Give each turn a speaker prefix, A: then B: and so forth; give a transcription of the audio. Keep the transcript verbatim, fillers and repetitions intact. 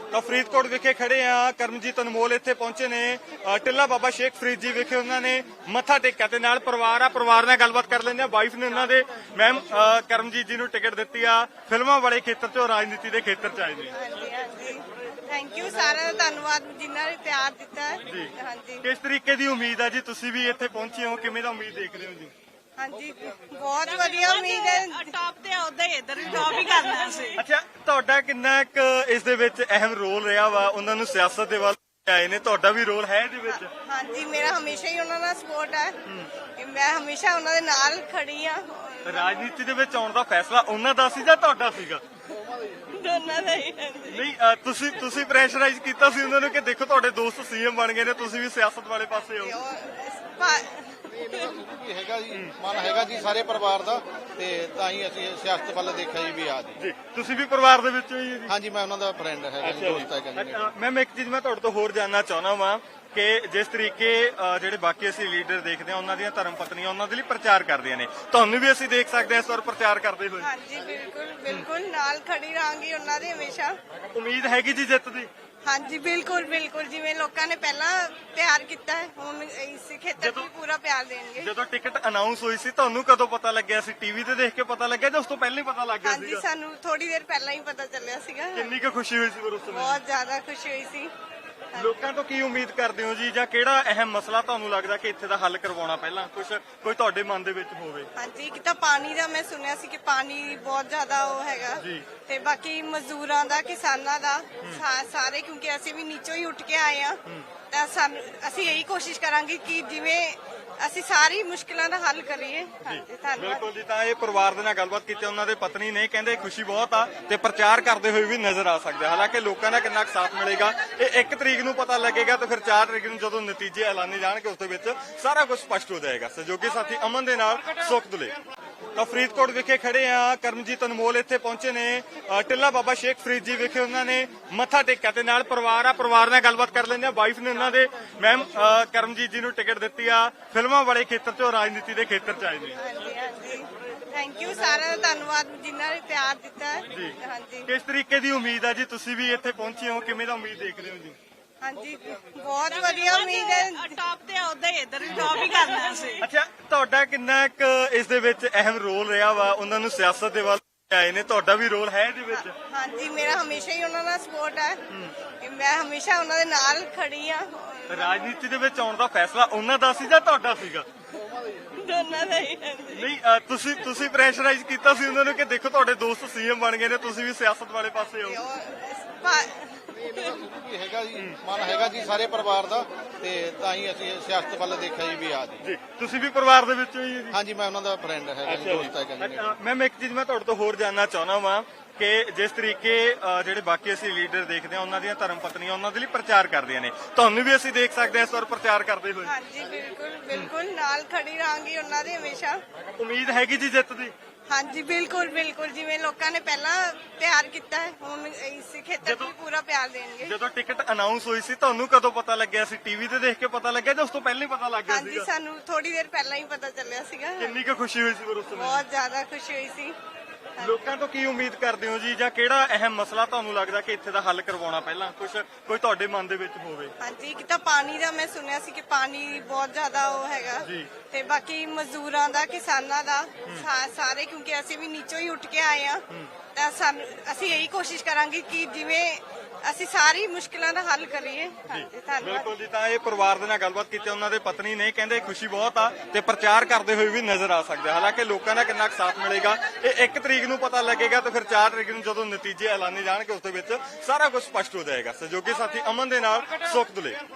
A: ਤਾਂ ਫਰੀਦਕੋਟ ਵਿਖੇ ਖੜੇ ਆ। ਕਰਮਜੀਤ ਅਨਮੋਲ ਇੱਥੇ ਪਹੁੰਚੇ ਨੇ। ਅ, ਟਿੱਲਾ ਬਾਬਾ ਸ਼ੇਖ ਫਰੀਦ ਜੀ ਵਿਖੇ ਉਹਨਾਂ ਨੇ ਮੱਥਾ ਟੇਕਿਆ ਤੇ ਨਾਲ ਪਰਿਵਾਰ ਆ। ਪਰਿਵਾਰ ਨਾਲ ਗੱਲਬਾਤ ਕਰ ਲੈਂਦੇ ਆ। ਵਾਈਫ ਨੇ ਉਹਨਾਂ ਦੇ। ਮੈਮ, ਕਰਮਜੀਤ ਜੀ ਨੂੰ ਟਿਕਟ ਦਿੱਤੀ ਆ, ਫਿਲਮਾਂ ਵਾਲੇ ਖੇਤਰ 'ਚੋਂ ਰਾਜਨੀਤੀ ਦੇ ਖੇਤਰ 'ਚ ਆਏ ਨੇ।
B: ਹਾਂਜੀ ਹਾਂਜੀ ਥੈਂਕ ਯੂ, ਸਾਰਿਆਂ ਦਾ ਧੰਨਵਾਦ ਜਿਨ੍ਹਾਂ ਨੇ ਪਿਆਰ ਦਿੱਤਾ ਹੈ।
A: ਜੀ।
B: ਹਾਂਜੀ
A: ਕਿਸ ਤਰੀਕੇ ਦੀ ਉਮੀਦ ਆ ਜੀ? ਤੁਸੀਂ ਵੀ ਇੱਥੇ ਪਹੁੰਚੇ ਹੋ, ਕਿਵੇਂ ਦਾ ਉਮੀਦ ਦੇਖਦੇ ਹੋ ਜੀ?
B: ਹਾਂਜੀ ਬਹੁਤ ਵਧੀਆ ਉਮੀਦ ਹੈ।
C: ਟਾਪ ਤੇ ਆਉਦਾ ਹੀ ਇੱਧਰ ਵੀ ਟਾਪ ਹੀ ਕਰਨਾ ਸੀ।
A: ਅੱਛਾ, ਤੁਹਾਡਾ ਕਿੰਨਾ ਕੁ ਇਸ ਦੇ ਵਿੱਚ ਅਹਿਮ ਰੋਲ ਰਿਹਾ ਵਾ? ਉਹਨਾਂ ਨੂੰ ਸਿਆਸਤ ਦੇ ਵੱਲ ਆਏ ਨੇ, ਤੁਹਾਡਾ ਵੀ ਰੋਲ ਹੈ ਇਹਦੇ ਵਿੱਚ?
B: ਹਾਂਜੀ ਮੇਰਾ ਹਮੇਸ਼ਾ ਹੀ ਉਹਨਾਂ ਨਾਲ ਸਪੋਰਟ ਹੈ। ਮੈਂ ਹਮੇਸ਼ਾ ਉਹਨਾਂ ਦੇ ਨਾਲ ਖੜੀ ਆ।
A: ਰਾਜਨੀਤੀ ਦੇ ਵਿੱਚ ਆਉਣ ਦਾ ਫੈਸਲਾ ਉਹਨਾਂ ਦਾ ਸੀ ਜਾਂ ਤੁਹਾਡਾ ਸੀਗਾ?
B: ਦੋਨਾਂ ਦਾ ਹੀ ਹੈ।
A: ਨਹੀਂ, ਅ, ਤੁਸੀਂ ਤੁਸੀਂ ਪ੍ਰੈਸ਼ਰਾਈਜ਼ ਕੀਤਾ ਸੀ ਉਹਨਾਂ ਨੂੰ ਕਿ ਦੇਖੋ ਤੁਹਾਡੇ ਦੋਸਤ ਸੀਐਮ ਬਣ ਗਏ ਨੇ, ਤੁਸੀਂ ਵੀ ਸਿਆਸਤ ਵਾਲੇ ਪਾਸੇ
B: ਤੇ
A: ਆਓ?
B: ਉਹ ਭਾ-
D: ਵੀ ਹੈਗਾ ਜੀ, ਮਨ ਹੈਗਾ ਜੀ ਸਾਰੇ ਪਰਿਵਾਰ ਦਾ, ਤੇ ਤਾਂ ਹੀ ਅਸੀਂ ਸਿਆਸਤ ਵੱਲ ਦੇਖਿਆ ਜੀ ਵੀ ਆ ਜੀ।
A: ਜੀ, ਤੁਸੀਂ ਵੀ ਪਰਿਵਾਰ ਦੇ ਵਿੱਚੋਂ ਹੀ ਹੋ ਜੀ?
D: ਹਾਂਜੀ, ਮੈਂ ਉਹਨਾਂ ਦਾ ਫਰੈਂਡ ਹੈਗਾ ਜੀ, ਦੋਸਤ ਹੈਗਾ ਜੀ।
A: ਮੈਮ, ਇੱਕ ਚੀਜ਼ ਮੈਂ ਤੁਹਾਡੇ ਤੋਂ ਹੋਰ ਜਾਨਣਾ ਚਾਹੁੰਦਾ ਵਾਂ ਕਿ ਜਿਸ ਤਰੀਕੇ ਅ, ਜਿਹੜੇ ਬਾਕੀ ਅਸੀਂ ਲੀਡਰ ਦੇਖਦੇ ਹਾਂ, ਉਹਨਾਂ ਦੀਆਂ ਧਰਮ ਪਤਨੀਆਂ ਉਹਨਾਂ ਦੇ ਲਈ ਪ੍ਰਚਾਰ ਕਰਦੀਆਂ ਨੇ, ਤੁਹਾਨੂੰ ਵੀ ਅਸੀਂ ਦੇਖ ਸਕਦੇ ਹਾਂ ਇਸ ਵਾਰ ਪ੍ਰਚਾਰ ਕਰਦੇ ਹੋਏ?
B: ਹਾਂਜੀ ਬਿਲਕੁਲ ਬਿਲਕੁਲ ਨਾਲ ਖੜੀ ਰਹਾਂਗੀ ਉਹਨਾਂ ਦੇ ਹਮੇਸ਼ਾ।
A: ਉਮੀਦ ਹੈਗੀ ਜੀ ਜਿੱਤ ਦੀ?
B: ਹਾਂਜੀ ਬਿਲਕੁਲ ਬਿਲਕੁਲ, ਜਿਵੇਂ ਲੋਕਾਂ ਨੇ ਪਹਿਲਾਂ ਪਿਆਰ ਕੀਤਾ ਹੈ ਹੁਣ ਇਸ ਖੇਤਰ 'ਚ ਵੀ ਪੂਰਾ ਪਿਆਰ ਦੇਣਗੇ।
A: ਜਦੋਂ ਟਿਕਟ ਅਨਾਉਂਸ ਹੋਈ ਸੀ ਤੁਹਾਨੂੰ ਕਦੋਂ ਪਤਾ ਲੱਗਿਆ ਸੀ? ਟੀਵੀ ਤੇ ਦੇਖ ਕੇ ਪਤਾ ਲੱਗਿਆ ਜਾਂ ਉਸ ਤੋਂ ਪਹਿਲਾਂ ਹੀ ਪਤਾ ਲੱਗ ਗਿਆ
B: ਹਾਂਜੀ
A: ਸੀਗਾ?
B: ਸਾਨੂੰ ਥੋੜੀ ਦੇਰ ਪਹਿਲਾਂ ਹੀ ਪਤਾ ਚੱਲਿਆ ਸੀਗਾ।
A: ਕਿੰਨੀ ਕੁ ਖੁਸ਼ੀ ਹੋਈ ਸੀ ਫਿਰ ਉਸ ਸਮੇਂ?
B: ਬਹੁਤ ਜ਼ਿਆਦਾ ਖੁਸ਼ੀ ਹੋਈ ਸੀ।
A: ਲੋਕਾਂ ਤੋਂ ਕੀ ਉਮੀਦ ਕਰਦੇ ਹੋ ਜੀ, ਜਾਂ ਕਿਹੜਾ ਅਹਿਮ ਮਸਲਾ ਤੁਹਾਨੂੰ ਲੱਗਦਾ ਕਿ ਇੱਥੇ ਦਾ ਹੱਲ ਕਰਵਾਉਣਾ ਪਹਿਲਾਂ ਕੁਝ ਕੋਈ ਤੁਹਾਡੇ ਮਨ ਦੇ ਵਿੱਚ ਹੋਵੇ?
B: ਹਾਂਜੀ ਇੱਕ ਤਾਂ ਪਾਣੀ ਦਾ ਮੈਂ ਸੁਣਿਆ ਸੀ ਕਿ ਪਾਣੀ ਬਹੁਤ ਜ਼ਿਆਦਾ ਉਹ ਹੈਗਾ
A: ਜੀ।
B: ਤੇ ਬਾਕੀ ਮਜ਼ਦੂਰਾਂ ਦਾ, ਕਿਸਾਨਾਂ ਦਾ, ਸਾ- ਸਾਰੇ, ਕਿਉਂਕਿ ਅਸੀਂ ਵੀ ਨੀਚੋਂ ਹੀ ਉੱਠ ਕੇ ਆਏ ਆ, ਤਾਂ ਸਾਨੂੰ ਅਸੀਂ ਇਹੀ ਕੋਸ਼ਿਸ਼ ਕਰਾਂਗੇ ਕਿ ਜਿਵੇਂ ਅਸੀਂ ਸਾਰੀ ਮੁਸ਼ਕਿਲਾਂ ਦਾ ਹੱਲ ਕਰੀਏ। ਹਾਂਜੀ ਧੰਨਵਾਦ।
A: ਬਿਲਕੁਲ ਜੀ। ਤਾਂ ਇਹ ਪਰਿਵਾਰ ਦੇ ਨਾਲ ਗੱਲਬਾਤ ਕੀਤੀ, ਉਹਨਾਂ ਦੇ ਪਤਨੀ ਨੇ ਕਹਿੰਦੇ ਖੁਸ਼ੀ ਬਹੁਤ ਆ ਤੇ ਪ੍ਰਚਾਰ ਕਰਦੇ ਹੋਏ ਵੀ ਨਜ਼ਰ ਆ ਸਕਦੇ ਆ। ਹਾਲਾਂਕਿ ਲੋਕਾਂ ਦਾ ਕਿੰਨਾ ਕੁ ਸਾਥ ਮਿਲੇਗਾ ਇਹ ਇੱਕ ਤਰੀਕ ਨੂੰ ਪਤਾ ਲੱਗੇਗਾ, ਤੇ ਫਿਰ ਚਾਰ ਤਰੀਕ ਨੂੰ ਜਦੋਂ ਨਤੀਜੇ ਐਲਾਨੇ ਜਾਣਗੇ ਉਸ ਦੇ ਵਿੱਚ ਸਾਰਾ ਕੁਝ ਸਪਸ਼ਟ ਹੋ ਜਾਏਗਾ। ਸਹਿਯੋਗੀ ਸਾਥੀ ਅਮਨ ਦੇ ਨਾਲ ਸੁਖ ਦੁਲੇ। ਤਾਂ ਫਰੀਦਕੋਟ ਵਿਖੇ ਖੜੇ ਆ। ਕਰਮਜੀਤ ਅਨਮੋਲ ਇੱਥੇ ਪਹੁੰਚੇ ਨੇ। ਅ, ਟਿੱਲਾ ਬਾਬਾ ਸ਼ੇਖ ਫਰੀਦ ਜੀ ਵਿਖੇ ਉਹਨਾਂ ਨੇ ਮੱਥਾ ਟੇਕਿਆ ਤੇ ਨਾਲ ਪਰਿਵਾਰ ਆ। ਪਰਿਵਾਰ ਨਾਲ ਗੱਲਬਾਤ ਕਰ ਲੈਂਦੇ ਆ। ਵਾਈਫ ਨੇ ਉਹਨਾਂ ਦੇ। ਮੈਮ, ਕਰਮਜੀਤ ਜੀ ਨੂੰ ਟਿਕਟ ਦਿੱਤੀ ਆ, ਫਿਲਮਾਂ ਵਾਲੇ ਖੇਤਰ 'ਚੋਂ ਰਾਜਨੀਤੀ ਦੇ ਖੇਤਰ 'ਚ ਆਏ ਨੇ।
B: ਹਾਂਜੀ ਹਾਂਜੀ ਥੈਂਕ ਯੂ, ਸਾਰਿਆਂ ਦਾ ਧੰਨਵਾਦ ਜਿਨ੍ਹਾਂ ਨੇ ਪਿਆਰ ਦਿੱਤਾ ਹੈ।
A: ਜੀ।
B: ਹਾਂਜੀ
A: ਕਿਸ ਤਰੀਕੇ ਦੀ ਉਮੀਦ ਆ ਜੀ? ਤੁਸੀਂ ਵੀ ਇੱਥੇ ਪਹੁੰਚੇ ਹੋ, ਕਿਵੇਂ ਦਾ ਉਮੀਦ ਦੇਖਦੇ ਹੋ ਜੀ?
B: ਹਾਂਜੀ ਬਹੁਤ ਵਧੀਆ ਉਮੀਦ ਹੈ।
C: ਟਾਪ ਤੇ ਆਉਦਾ ਹੀ ਇੱਧਰ ਵੀ ਟਾਪ ਹੀ ਕਰਨਾ ਸੀ।
A: ਅੱਛਾ, ਤੁਹਾਡਾ ਕਿੰਨਾ ਕੁ ਇਸ ਦੇ ਵਿੱਚ ਅਹਿਮ ਰੋਲ ਰਿਹਾ ਵਾ? ਉਹਨਾਂ ਨੂੰ ਸਿਆਸਤ ਦੇ ਵੱਲ ਆਏ ਨੇ, ਤੁਹਾਡਾ ਵੀ ਰੋਲ ਹੈ ਇਹਦੇ ਵਿੱਚ?
B: ਹਾਂਜੀ ਮੇਰਾ ਹਮੇਸ਼ਾ ਹੀ ਉਹਨਾਂ ਨਾਲ ਸਪੋਰਟ ਹੈ। ਮੈਂ ਹਮੇਸ਼ਾ ਉਹਨਾਂ ਦੇ ਨਾਲ ਖੜੀ ਆ।
A: ਰਾਜਨੀਤੀ ਦੇ ਵਿੱਚ ਆਉਣ ਦਾ ਫੈਸਲਾ ਉਹਨਾਂ ਦਾ ਸੀ ਜਾਂ ਤੁਹਾਡਾ ਸੀਗਾ?
B: ਦੋਨਾਂ ਦਾ ਹੀ ਹੈ।
A: ਨਹੀਂ, ਅ, ਤੁਸੀਂ ਤੁਸੀਂ ਪ੍ਰੈਸ਼ਰਾਈਜ਼ ਕੀਤਾ ਸੀ ਉਹਨਾਂ ਨੂੰ ਕਿ ਦੇਖੋ ਤੁਹਾਡੇ ਦੋਸਤ ਸੀਐਮ ਬਣ ਗਏ ਨੇ, ਤੁਸੀਂ ਵੀ ਸਿਆਸਤ ਵਾਲੇ ਪਾਸੇ
B: ਤੇ
A: ਆਓ?
B: ਉਹ ਭਾ-
D: ਵੀ ਹੈਗਾ ਜੀ, ਮਨ ਹੈਗਾ ਜੀ ਸਾਰੇ ਪਰਿਵਾਰ ਦਾ, ਤੇ ਤਾਂ ਹੀ ਅਸੀਂ ਸਿਆਸਤ ਵੱਲ ਦੇਖਿਆ ਜੀ ਵੀ ਆ ਜੀ।
A: ਜੀ, ਤੁਸੀਂ ਵੀ ਪਰਿਵਾਰ ਦੇ ਵਿੱਚੋਂ ਹੀ ਹੋ ਜੀ?
D: ਹਾਂਜੀ, ਮੈਂ ਉਹਨਾਂ ਦਾ ਫਰੈਂਡ ਹੈਗਾ ਜੀ, ਦੋਸਤ ਹੈਗਾ ਜੀ।
A: ਮੈਮ, ਇੱਕ ਚੀਜ਼ ਮੈਂ ਤੁਹਾਡੇ ਤੋਂ ਹੋਰ ਜਾਨਣਾ ਚਾਹੁੰਦਾ ਵਾਂ ਕਿ ਜਿਸ ਤਰੀਕੇ ਅ, ਜਿਹੜੇ ਬਾਕੀ ਅਸੀਂ ਲੀਡਰ ਦੇਖਦੇ ਹਾਂ, ਉਹਨਾਂ ਦੀਆਂ ਧਰਮ ਪਤਨੀਆਂ ਉਹਨਾਂ ਦੇ ਲਈ ਪ੍ਰਚਾਰ ਕਰਦੀਆਂ ਨੇ, ਤੁਹਾਨੂੰ ਵੀ ਅਸੀਂ ਦੇਖ ਸਕਦੇ ਹਾਂ ਇਸ ਵਾਰ ਪ੍ਰਚਾਰ ਕਰਦੇ ਹੋਏ?
B: ਹਾਂਜੀ ਬਿਲਕੁਲ ਬਿਲਕੁਲ ਨਾਲ ਖੜੀ ਰਹਾਂਗੀ ਉਹਨਾਂ ਦੇ ਹਮੇਸ਼ਾ।
A: ਉਮੀਦ ਹੈਗੀ ਜੀ ਜਿੱਤ ਦੀ?
B: ਹਾਂਜੀ ਬਿਲਕੁਲ ਬਿਲਕੁਲ, ਜਿਵੇਂ ਲੋਕਾਂ ਨੇ ਪਹਿਲਾਂ ਪਿਆਰ ਕੀਤਾ ਹੈ ਹੁਣ ਇਸ ਖੇਤਰ 'ਚ ਵੀ ਪੂਰਾ ਪਿਆਰ ਦੇਣਗੇ।
A: ਜਦੋਂ ਟਿਕਟ ਅਨਾਉਂਸ ਹੋਈ ਸੀ ਤੁਹਾਨੂੰ ਕਦੋਂ ਪਤਾ ਲੱਗਿਆ ਸੀ? ਟੀਵੀ ਤੇ ਦੇਖ ਕੇ ਪਤਾ ਲੱਗਿਆ ਜਾਂ ਉਸ ਤੋਂ ਪਹਿਲਾਂ ਹੀ ਪਤਾ ਲੱਗ ਗਿਆ
B: ਹਾਂਜੀ
A: ਸੀਗਾ?
B: ਸਾਨੂੰ ਥੋੜੀ ਦੇਰ ਪਹਿਲਾਂ ਹੀ ਪਤਾ ਚੱਲਿਆ ਸੀਗਾ।
A: ਕਿੰਨੀ ਕੁ ਖੁਸ਼ੀ ਹੋਈ ਸੀ ਫਿਰ ਉਸ ਸਮੇਂ?
B: ਬਹੁਤ ਜ਼ਿਆਦਾ ਖੁਸ਼ੀ ਹੋਈ ਸੀ।
A: ਲੋਕਾਂ ਤੋਂ ਕੀ ਉਮੀਦ ਕਰਦੇ ਹੋ ਜੀ, ਜਾਂ ਕਿਹੜਾ ਅਹਿਮ ਮਸਲਾ ਤੁਹਾਨੂੰ ਲੱਗਦਾ ਕਿ ਇੱਥੇ ਦਾ ਹੱਲ ਕਰਵਾਉਣਾ ਪਹਿਲਾਂ ਕੁਝ ਕੋਈ ਤੁਹਾਡੇ ਮਨ ਦੇ ਵਿੱਚ ਹੋਵੇ?
B: ਹਾਂਜੀ ਇੱਕ ਤਾਂ ਪਾਣੀ ਦਾ ਮੈਂ ਸੁਣਿਆ ਸੀ ਕਿ ਪਾਣੀ ਬਹੁਤ ਜ਼ਿਆਦਾ ਉਹ ਹੈਗਾ,
A: ਜੀ।
B: ਤੇ ਬਾਕੀ ਮਜ਼ਦੂਰਾਂ ਦਾ, ਕਿਸਾਨਾਂ ਦਾ, ਸਾ- ਸਾਰੇ, ਕਿਉਂਕਿ ਅਸੀਂ ਵੀ ਨੀਚੋਂ ਹੀ ਉੱਠ ਕੇ ਆਏ ਆ, ਤਾਂ ਸਾਨੂੰ ਅਸੀਂ ਇਹੀ ਕੋਸ਼ਿਸ਼ ਕਰਾਂਗੇ ਕਿ ਜਿਵੇਂ ਅਸੀਂ ਸਾਰੀ ਮੁਸ਼ਕਿਲਾਂ ਦਾ ਹੱਲ ਕਰੀਏ। ਹਾਂਜੀ ਧੰਨਵਾਦ।
A: ਬਿਲਕੁਲ ਜੀ। ਤਾਂ ਇਹ ਪਰਿਵਾਰ ਦੇ ਨਾਲ ਗੱਲਬਾਤ ਕੀਤੀ, ਉਹਨਾਂ ਦੇ ਪਤਨੀ ਨੇ ਕਹਿੰਦੇ ਖੁਸ਼ੀ ਬਹੁਤ ਆ ਤੇ ਪ੍ਰਚਾਰ ਕਰਦੇ ਹੋਏ ਵੀ ਨਜ਼ਰ ਆ ਸਕਦੇ ਆ। ਹਾਲਾਂਕਿ ਲੋਕਾਂ ਦਾ ਕਿੰਨਾ ਕੁ ਸਾਥ ਮਿਲੇਗਾ ਇਹ ਇੱਕ ਤਰੀਕ ਨੂੰ ਪਤਾ ਲੱਗੇਗਾ, ਤੇ ਫਿਰ ਚਾਰ ਤਰੀਕ ਨੂੰ ਜਦੋਂ ਨਤੀਜੇ ਐਲਾਨੇ ਜਾਣਗੇ ਉਸ ਦੇ ਵਿੱਚ ਸਾਰਾ ਕੁਝ ਸਪਸ਼ਟ ਹੋ ਜਾਏਗਾ। ਸਹਿਯੋਗੀ ਸਾਥੀ ਅਮਨ ਦੇ ਨਾਲ ਸੁਖ ਦੁਲੇ।